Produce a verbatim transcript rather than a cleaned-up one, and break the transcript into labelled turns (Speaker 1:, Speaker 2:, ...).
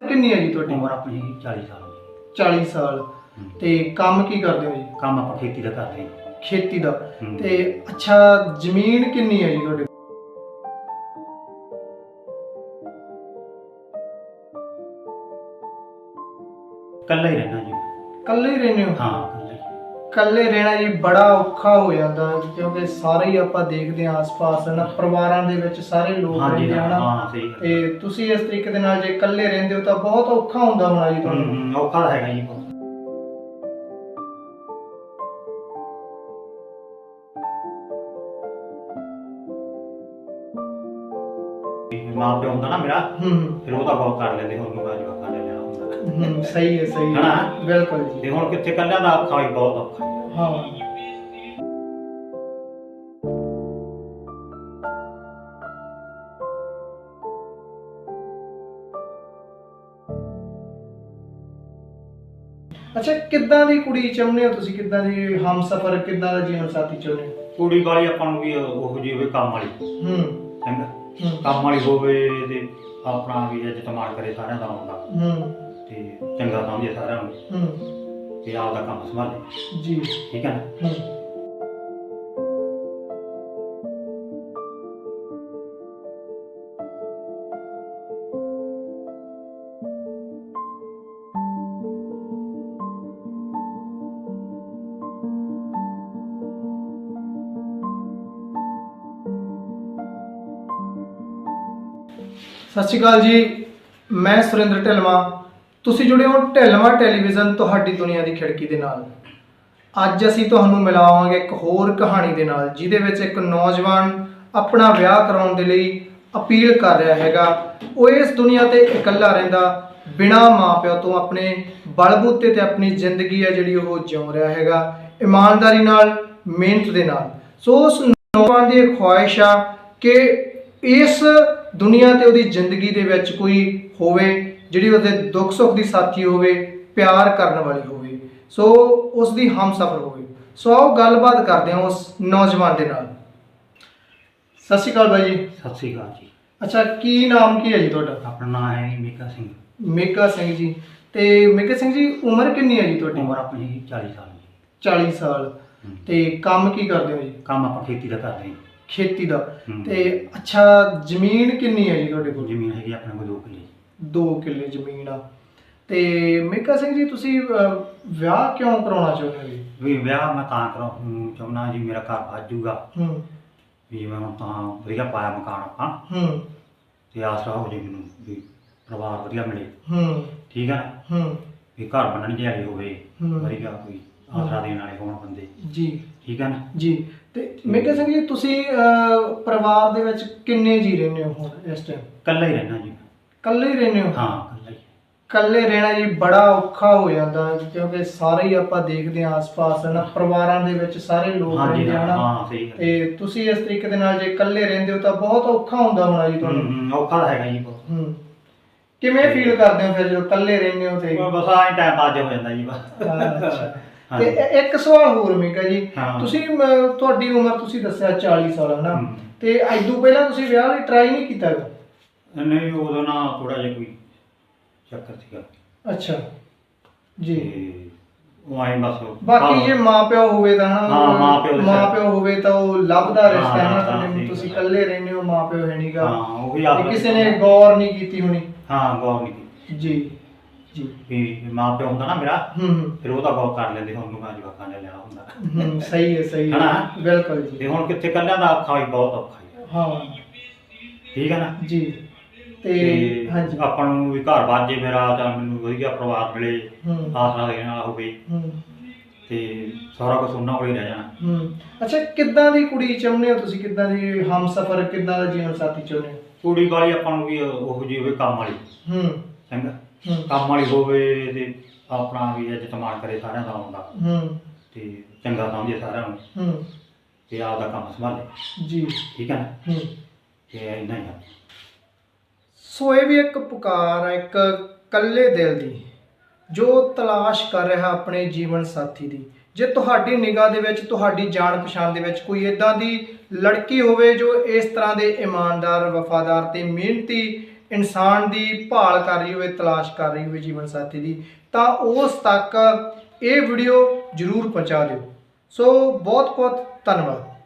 Speaker 1: ਕਿੰਨੀ ਹੈ ਜੀ ਤੁਹਾਡੀ?
Speaker 2: ਉਮਰ ਆਪਣੀ ਹੈਗੀ ਚਾਲੀ ਸਾਲ ਜੀ।
Speaker 1: ਚਾਲੀ ਸਾਲ।
Speaker 2: ਹੂੰ।
Speaker 1: ਤੇ ਕੰਮ ਕੀ ਕਰਦੇ ਹੋ ਜੀ?
Speaker 2: ਕੰਮ ਆਪਾਂ ਖੇਤੀ ਦਾ ਕਰਦੇ ਹਾਂ।
Speaker 1: ਖੇਤੀ ਦਾ।
Speaker 2: ਹੂੰ।
Speaker 1: ਤੇ ਅੱਛਾ, ਜ਼ਮੀਨ ਕਿੰਨੀ ਹੈ ਜੀ ਤੁਹਾਡੇ?
Speaker 2: ਇਕੱਲਾ ਹੀ ਰਹਿਣਾ ਜੀ।
Speaker 1: ਇਕੱਲੇ ਹੀ ਰਹਿੰਦੇ ਹੋ?
Speaker 2: ਹਾਂ ਇਕੱਲਾ ਹੀ।
Speaker 1: ਇਕੱਲੇ ਰਹਿਣਾ ਜੀ ਬੜਾ ਔਖਾ ਹੋ ਜਾਂਦਾ, ਕਿਉਂਕਿ ਸਾਰੇ ਹੀ ਆਪਾਂ ਦੇਖਦੇ ਹਾਂ ਆਸ-ਪਾਸ ਨਾ, ਪਰਿਵਾਰਾਂ ਦੇ ਵਿੱਚ ਸਾਰੇ ਲੋਕ
Speaker 2: ਹਾਂਜੀ
Speaker 1: ਰਹਿੰਦੇ
Speaker 2: ਹਾਂ
Speaker 1: ਹਨ।
Speaker 2: ਹਾਂ ਸਹੀ ਗੱਲ।
Speaker 1: ਤੇ ਤੁਸੀਂ ਇਸ ਤਰੀਕੇ ਦੇ ਨਾਲ ਜੇ ਇਕੱਲੇ ਰਹਿੰਦੇ ਹੋ ਤਾਂ ਬਹੁਤ ਔਖਾ ਹੁੰਦਾ ਹੋਣਾ ਜੀ
Speaker 2: ਹੂੰ
Speaker 1: ਤੁਹਾਨੂੰ।
Speaker 2: ਹੂੰ ਔਖਾ ਤਾਂ ਹੈਗਾ ਜੀ ਬਹੁਤ। ਮਾਂ ਪਿਓ ਹੁੰਦਾ ਨਾ ਮੇਰਾ,
Speaker 1: ਹੂੰ ਹੂੰ
Speaker 2: ਫਿਰ ਉਹ ਤਾਂ ਬਹੁਤ ਕਰ ਲੈਂਦੇ, ਹੁਣ ਮੈਂ ਜਵਾਕਾਂ ਨੇ ਲੈਣਾ ਹੁੰਦਾ।
Speaker 1: ਹੂੰ ਸਹੀ ਹੈ ਸਹੀ ਹੈ
Speaker 2: ਹਨਾ?
Speaker 1: ਬਿਲਕੁਲ ਜੀ।
Speaker 2: ਤੇ ਹੁਣ ਕਿੱਥੇ ਇਕੱਲਿਆਂ ਦਾ ਔਖਾ ਵੀ ਬਹੁਤ ਔਖਾ ਹੈ।
Speaker 1: ਹਾਂ। ਅੱਛਾ, ਕਿੱਦਾਂ ਦੀ ਕੁੜੀ ਚਾਹੁੰਦੇ ਹੋ ਤੁਸੀਂ? ਕਿੱਦਾਂ ਦੀ ਹਮਸਫਰ, ਕਿੱਦਾਂ ਦਾ ਜੀਵਨ ਸਾਥੀ ਚਾਹੁੰਦੇ ਹੋ?
Speaker 2: ਕੁੜੀ ਵਾਲੀ ਆਪਾਂ ਨੂੰ ਵੀ ਉਹੋ ਜਿਹੀ ਹੋਵੇ, ਕੰਮ ਵਾਲੀ।
Speaker 1: ਹੂੰ
Speaker 2: ਚੰਗਾ
Speaker 1: ਹੂੰ
Speaker 2: ਕੰਮ ਵਾਲੀ ਹੋਵੇ ਤੇ ਆਪਣਾ ਵੀ ਇੱਜ਼ਤ ਮਾਣ ਕਰੇ ਸਾਰਿਆਂ ਦਾ ਆਉਂਦਾ,
Speaker 1: ਹੂੰ
Speaker 2: ਤੇ ਚੰਗਾ ਸਮਝੇ ਸਾਰਿਆਂ ਨੂੰ,
Speaker 1: ਹੂੰ
Speaker 2: ਤੇ ਆਪਦਾ ਕੰਮ ਸੰਭਾਲੇ।
Speaker 1: ਜੀ।
Speaker 2: ਠੀਕ ਹੈ ਨਾ?
Speaker 1: ਹੂੰ। ਸਤਿ ਸ਼੍ਰੀ ਅਕਾਲ ਜੀ, ਮੈਂ ਸੁਰਿੰਦਰ ਢਿਲਵਾਂ। ਤੁਸੀਂ ਜੁੜੇ ਹੋ ਢਿਲਵਾਂ ਟੈਲੀਵਿਜ਼ਨ, ਤੁਹਾਡੀ ਦੁਨੀਆ ਦੀ ਖਿੜਕੀ ਦੇ ਨਾਲ। ਅੱਜ ਅਸੀਂ ਤੁਹਾਨੂੰ ਮਿਲਾਵਾਂਗੇ ਇੱਕ ਹੋਰ ਕਹਾਣੀ ਦੇ ਨਾਲ, ਜਿਹਦੇ ਵਿੱਚ ਇੱਕ ਨੌਜਵਾਨ ਆਪਣਾ ਵਿਆਹ ਕਰਾਉਣ ਦੇ ਲਈ ਅਪੀਲ ਕਰ ਰਿਹਾ ਹੈਗਾ। ਉਹ ਇਸ ਦੁਨੀਆ ਤੇ ਇਕੱਲਾ ਰਹਿੰਦਾ, ਬਿਨਾਂ ਮਾਂ-ਪਿਓ ਤੋਂ ਆਪਣੇ ਬਲਬੂਤੇ ਤੇ ਆਪਣੀ ਜ਼ਿੰਦਗੀ ਹੈ ਜਿਹੜੀ ਉਹ ਜਿਉ ਰਿਹਾ ਹੈਗਾ, ਇਮਾਨਦਾਰੀ ਨਾਲ, ਮਿਹਨਤ ਦੇ ਨਾਲ। ਸੋ ਉਸ ਨੌਜਵਾਨ ਦੀ ਇਹ ਖੁਆਇਸ਼ ਆ ਕਿ ਇਸ ਦੁਨੀਆ ਤੇ ਉਹਦੀ ਜ਼ਿੰਦਗੀ ਦੇ ਵਿੱਚ ਕੋਈ ਹੋਵੇ ਜਿਹੜੀ ਉਹਦੇ ਦੁੱਖ ਸੁੱਖ ਦੀ ਸਾਥੀ ਹੋਵੇ, ਪਿਆਰ ਕਰਨ ਵਾਲੀ ਹੋਵੇ, ਸੋ ਉਸ ਦੀ ਹਮਸਫਰ ਹੋਵੇ। ਸੋ ਆਓ ਗੱਲਬਾਤ ਕਰਦੇ ਹਾਂ ਉਸ ਨੌਜਵਾਨ ਦੇ ਨਾਲ। ਸਤਿ ਸ਼੍ਰੀ ਅਕਾਲ ਬਾਈ ਜੀ।
Speaker 2: ਸਤਿ ਸ੍ਰੀ ਅਕਾਲ ਜੀ।
Speaker 1: ਅੱਛਾ, ਕੀ ਨਾਮ ਕੀ ਹੈ ਜੀ ਤੁਹਾਡਾ?
Speaker 2: ਆਪਣਾ ਨਾਮ ਹੈ ਜੀ ਮੀਕਾ ਸਿੰਘ।
Speaker 1: ਮੇਕਾ ਸਿੰਘ ਜੀ। ਤੇ ਮੇਕਾ ਸਿੰਘ ਜੀ, ਉਮਰ ਕਿੰਨੀ ਹੈ ਜੀ ਤੁਹਾਡੀ?
Speaker 2: ਉਮਰ ਆਪਣੀ ਹੈਗੀ ਚਾਲੀ ਸਾਲ ਜੀ।
Speaker 1: ਚਾਲੀ ਸਾਲ।
Speaker 2: ਹੂੰ।
Speaker 1: ਤੇ ਕੰਮ ਕੀ ਕਰਦੇ ਹੋ ਜੀ?
Speaker 2: ਕੰਮ ਆਪਾਂ ਖੇਤੀ ਦਾ ਕਰਦੇ ਹਾਂ।
Speaker 1: ਖੇਤੀ ਦਾ।
Speaker 2: ਹੂੰ।
Speaker 1: ਤੇ ਅੱਛਾ, ਜ਼ਮੀਨ ਕਿੰਨੀ ਹੈ ਜੀ ਤੁਹਾਡੇ ਕੋਲ?
Speaker 2: ਜ਼ਮੀਨ ਹੈਗੀ ਆਪਣੇ ਕੋਲ ਦੋ ਕਿੱਲੇ।
Speaker 1: ਦੋ ਕਿੱਲੇ ਜ਼ਮੀਨ ਆ। ਤੇ ਮੇਕਾ ਸਿੰਘ ਜੀ, ਤੁਸੀਂ ਅਹ, ਵਿਆਹ ਕਿਉਂ ਕਰਾਉਣਾ ਚਾਹੁੰਦੇ ਹੋ ਜੀ?
Speaker 2: ਵੀ ਵਿਆਹ ਮੈਂ ਤਾਂ ਕਰਾਉਂ ਚਾਹੁੰਦਾ ਜੀ, ਮੇਰਾ ਘਰ ਵੱਜ ਜੂਗਾ,
Speaker 1: ਹੂੰ
Speaker 2: ਵੀ ਮੈਂ ਹੁਣ ਤਾਂ ਵਧੀਆ ਪਾਇਆ ਮਕਾਨ ਆਪਾਂ,
Speaker 1: ਹੂੰ
Speaker 2: ਤੇ ਆਸਰਾ ਹੋ ਜੇ ਮੈਨੂੰ ਵੀ ਪਰਿਵਾਰ ਵਧੀਆ ਮਿਲੇ।
Speaker 1: ਹੂੰ
Speaker 2: ਠੀਕ ਹੈ ਨਾ?
Speaker 1: ਹੂੰ
Speaker 2: ਵੀ ਘਰ ਬਣਨ ਵਾਲੇ ਹੋਵੇ,
Speaker 1: ਹੂੰ।
Speaker 2: ਵਧੀਆ ਕੋਈ ਆਸਰਾ ਦੇਣ ਵਾਲੇ ਹੋਣ ਬੰਦੇ।
Speaker 1: ਜੀ
Speaker 2: ਠੀਕ ਹੈ ਨਾ?
Speaker 1: ਜੀ। ਤੇ ਮੇਕਾ ਸਿੰਘ ਜੀ, ਤੁਸੀਂ ਅਹ, ਪਰਿਵਾਰ ਦੇ ਵਿੱਚ ਕਿੰਨੇ ਜੀ ਰਹਿੰਦੇ ਹੋ ਹੁਣ ਇਸ ਟਾਈਮ?
Speaker 2: ਇਕੱਲਾ ਹੀ ਰਹਿਣਾ ਜੀ।
Speaker 1: ਇਕੱਲੇ ਹੀ ਰਹਿੰਦੇ ਹੋ?
Speaker 2: ਹਾਂ ਇਕੱਲਾ ਹੀ।
Speaker 1: ਇਕੱਲੇ ਰਹਿਣਾ ਜੀ ਬੜਾ ਔਖਾ ਹੋ ਜਾਂਦਾ, ਕਿਉਂਕਿ ਸਾਰੇ ਹੀ ਆਪਾਂ ਦੇਖਦੇ ਹਾਂ ਆਸ-ਪਾਸ ਨਾ, ਪਰਿਵਾਰਾਂ ਦੇ ਵਿੱਚ ਸਾਰੇ ਲੋਕ
Speaker 2: ਹਾਂਜੀ
Speaker 1: ਰਹਿੰਦੇ
Speaker 2: ਹਾਂ
Speaker 1: ਹਨ।
Speaker 2: ਹਾਂ ਸਹੀ ਗੱਲ।
Speaker 1: ਤੇ ਤੁਸੀਂ ਇਸ ਤਰੀਕੇ ਦੇ ਨਾਲ ਜੇ ਇਕੱਲੇ ਰਹਿੰਦੇ ਹੋ ਤਾਂ ਬਹੁਤ ਔਖਾ ਹੁੰਦਾ ਹੋਣਾ ਜੀ
Speaker 2: ਹੂੰ
Speaker 1: ਤੁਹਾਨੂੰ।
Speaker 2: ਹੂੰ ਔਖਾ ਤਾਂ ਹੈਗਾ ਜੀ ਬਹੁਤ।
Speaker 1: ਹੂੰ। ਕਿਵੇਂ ਫੀਲ ਕਰਦੇ ਹੋ ਫਿਰ ਜਦੋਂ ਇਕੱਲੇ ਰਹਿੰਦੇ ਹੋ ਤੇ?
Speaker 2: ਬਸ ਆਹ ਟਾਈਮ ਪਾਸ ਹੋ ਜਾਂਦਾ ਜੀ ਬਸ।
Speaker 1: ਅੱਛਾ।
Speaker 2: ਹਾਂ।
Speaker 1: ਤੇ ਇ- ਇੱਕ ਸਵਾਲ ਹੋਰ ਮੇਕਾ ਜੀ,
Speaker 2: ਹਾਂ।
Speaker 1: ਤੁਸੀਂ ਮ- ਤੁਹਾਡੀ ਉਮਰ ਤੁਸੀਂ ਦੱਸਿਆ ਚਾਲੀ ਸਾਲ ਹੈ ਨਾ,
Speaker 2: ਹੂੰ।
Speaker 1: ਤੇ ਇਦੋਂ ਪਹਿਲਾਂ ਤੁਸੀਂ ਵਿਆਹ ਲਈ ਟਰਾਈ ਨਹੀਂ ਕੀਤਾ ਹੈਗਾ?
Speaker 2: ਨਹੀਂ ਉਦੋਂ ਨਾ ਥੋੜਾ ਜਿਹਾ ਕੋਈ ਚੱਕਰ ਸੀਗਾ,
Speaker 1: ਅੱਛਾ ਜੀ।
Speaker 2: ਤੇ ਉਹ ਆਏ ਬਸ।
Speaker 1: ਬਾਕੀ ਜੇ ਮਾਪਿਓ ਹੋਵੇ ਤਾਂ ਹਨਾ,
Speaker 2: ਹਾਂ, ਮਾਂ-ਪਿਓ ਦੇ ਸਿਰ।
Speaker 1: ਮਾਪਿਓ ਹੋਵੇ ਤਾਂ ਉਹ ਲੱਭਦਾ ਰਿਸ਼ਤਾ ਹੈ ਨਾ,
Speaker 2: ਹਾਂ,
Speaker 1: ਤੁਹਾਡੇ
Speaker 2: ਸਹੀ
Speaker 1: ਤੁਸੀਂ
Speaker 2: ਗੱਲ ਹੈ।
Speaker 1: ਇਕੱਲੇ ਰਹਿੰਦੇ ਹੋ, ਮਾਪਿਓ ਹੈ ਨਹੀਂਗਾ,
Speaker 2: ਹਾਂ ਉਹੀ ਆਪ
Speaker 1: ਕਿਸੇ ਨੇ ਗੌਰ ਨਹੀਂ ਕੀਤੀ ਹੋਣੀ।
Speaker 2: ਹਾਂ ਗੌਰ ਨਹੀਂ ਕੀਤੀ
Speaker 1: ਜੀ ਜੀ।
Speaker 2: ਵੀ ਮਾਂ ਪਿਓ ਹੁੰਦਾ ਨਾ ਮੇਰਾ,
Speaker 1: ਹੂੰ ਹੂੰ
Speaker 2: ਫਿਰ ਉਹ ਤਾਂ ਗੌਰ ਕਰ ਲੈਂਦੇ, ਹੁਣ ਮੈਂ ਜਵਾਕਾਂ ਨੇ ਲੈਣਾ ਹੁੰਦਾ।
Speaker 1: ਹੂੰ ਸਹੀ ਹੈ ਸਹੀ ਹੈ
Speaker 2: ਹਨਾ?
Speaker 1: ਬਿਲਕੁਲ ਜੀ।
Speaker 2: ਤੇ ਹੁਣ ਕਿੱਥੇ ਇਕੱਲਿਆਂ ਦਾ ਔਖਾ ਵੀ ਬਹੁਤ ਔਖਾ ਹੈ।
Speaker 1: ਹਾਂ
Speaker 2: ਠੀਕ ਹੈ ਨਾ?
Speaker 1: ਜੀ। ਤੇ
Speaker 2: ਤੇ
Speaker 1: ਹਾਂਜੀ।
Speaker 2: ਆਪਾਂ ਨੂੰ ਵੀ ਘਰ ਬਾਜੇ ਮੇਰਾ, ਜਾਂ ਮੈਨੂੰ ਵਧੀਆ ਪਰਿਵਾਰ ਮਿਲੇ,
Speaker 1: ਹੂੰ
Speaker 2: ਆਸਰਾ ਦੇਣ ਵਾਲਾ ਹੋਵੇ,
Speaker 1: ਹੂੰ
Speaker 2: ਤੇ ਸਾਰਾ ਕੁਝ ਉਹਨਾਂ ਕੋਲ ਹੀ ਰਹਿ ਜਾਣਾ।
Speaker 1: ਹੂੰ। ਅੱਛਾ, ਕਿੱਦਾਂ ਦੀ ਕੁੜੀ ਚਾਹੁੰਦੇ ਹੋ ਤੁਸੀਂ? ਕਿੱਦਾਂ ਦੀ ਹਮਸਫਰ, ਕਿੱਦਾਂ ਦਾ ਜੀਵਨ ਸਾਥੀ ਚਾਹੁੰਦੇ ਹੋ?
Speaker 2: ਕੁੜੀ ਵਾਲੀ ਆਪਾਂ ਨੂੰ ਵੀ ਉਹੋ ਜਿਹੀ ਹੋਵੇ, ਕੰਮ ਵਾਲੀ।
Speaker 1: ਹੂੰ
Speaker 2: ਚੰਗਾ
Speaker 1: ਹੂੰ
Speaker 2: ਕੰਮ ਵਾਲੀ ਹੋਵੇ, ਤੇ ਆਪਣਾ ਵੀ ਇੱਜ਼ਤ ਮਾਣ ਕਰੇ ਸਾਰਿਆਂ ਦਾ ਆਉਂਦਾ,
Speaker 1: ਹੂੰ
Speaker 2: ਤੇ ਚੰਗਾ ਸਮਝੇ ਸਾਰਿਆਂ ਨੂੰ,
Speaker 1: ਹੂੰ
Speaker 2: ਤੇ ਆਪਦਾ ਕੰਮ ਸੰਭਾਲੇ।
Speaker 1: ਜੀ।
Speaker 2: ਠੀਕ ਹੈ ਨਾ?
Speaker 1: ਹੂੰ।
Speaker 2: ਤੇ ਇੰਨਾ ਹੀ ਆ।
Speaker 1: ਸੋ ਇਹ ਵੀ ਇੱਕ ਪੁਕਾਰ ਹੈ, ਇੱਕ ਕੱਲੇ ਦਿਲ ਦੀ, ਜੋ ਤਲਾਸ਼ ਕਰ ਰਿਹਾ ਆਪਣੇ ਜੀਵਨ ਸਾਥੀ ਦੀ। ਜੇ ਤੁਹਾਡੀ ਨਿਗਾਹ ਦੇ ਵਿੱਚ, ਤੁਹਾਡੀ ਜਾਣ ਪਛਾਣ ਦੇ ਵਿੱਚ ਕੋਈ ਇਦਾਂ ਦੀ ਲੜਕੀ ਹੋਵੇ ਜੋ ਇਸ ਤਰ੍ਹਾਂ ਦੇ ਇਮਾਨਦਾਰ, ਵਫਾਦਾਰ ਤੇ ਮਿਹਨਤੀ ਇਨਸਾਨ ਦੀ ਭਾਲ ਕਰ ਰਹੀ ਹੋਵੇ, ਤਲਾਸ਼ ਕਰ ਰਹੀ ਹੋਵੇ ਜੀਵਨ ਸਾਥੀ ਦੀ, ਤਾਂ ਉਸ ਤੱਕ ਇਹ ਵੀਡੀਓ ਜ਼ਰੂਰ ਪਹੁੰਚਾ ਦਿਓ। ਸੋ ਬਹੁਤ ਬਹੁਤ ਧੰਨਵਾਦ।